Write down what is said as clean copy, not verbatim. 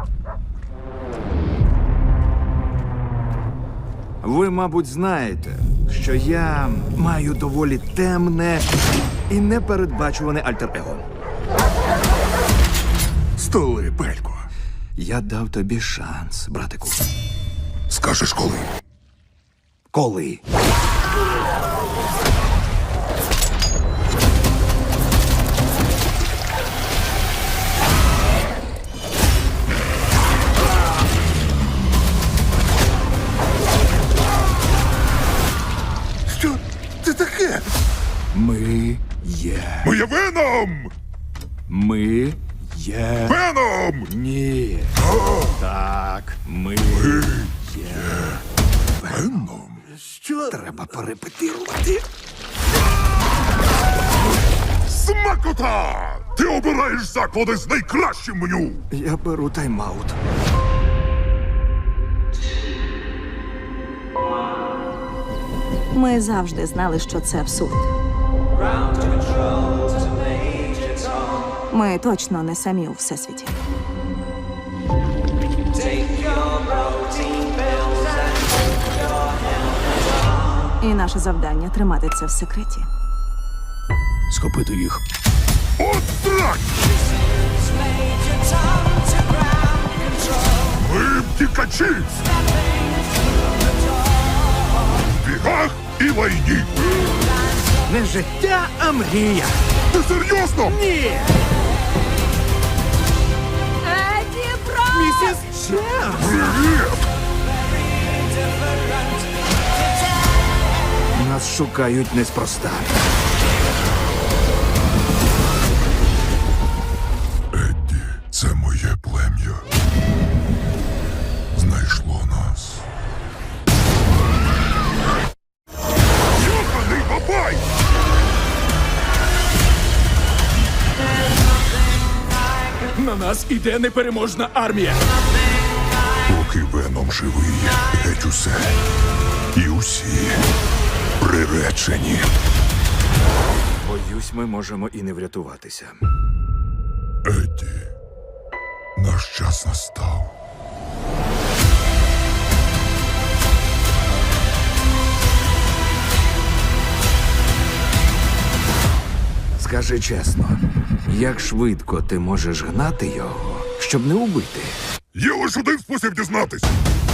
Ви, мабуть, знаєте, що я маю доволі темне і непередбачуване альтер-его. Столи, Пелько. Я дав тобі шанс, братику. Скажеш коли? Коли? Що це таке? Ми є. Ми є Веном! Ми є. Веном! Ні. Так, ми є. Веном? Що? Треба перепетирувати. Смакота! Ти обираєш заклади з найкращим меню! Я беру тайм-аут. Ми завжди знали, що це абсурд. Ми точно не самі у всесвіті. І наше завдання тримати це в секреті. Схопити їх. От так! Ми втікачі! В бігах і лайні! Не життя, а мрія. Ти серйозно? Ні! Еді Брок! Місіс Чемс! Привіт! Нас шукають неспроста. Едді, це моє плем'я. Знайшло нас. Йоханий бабай! На нас іде непереможна армія. Поки Веном живий, геть усе. І усі приречені. Боюсь, ми можемо і не врятуватися. Едді, наш час настав. Скажи чесно, як швидко ти можеш гнати його, щоб не убити? Є лише один спосіб дізнатись.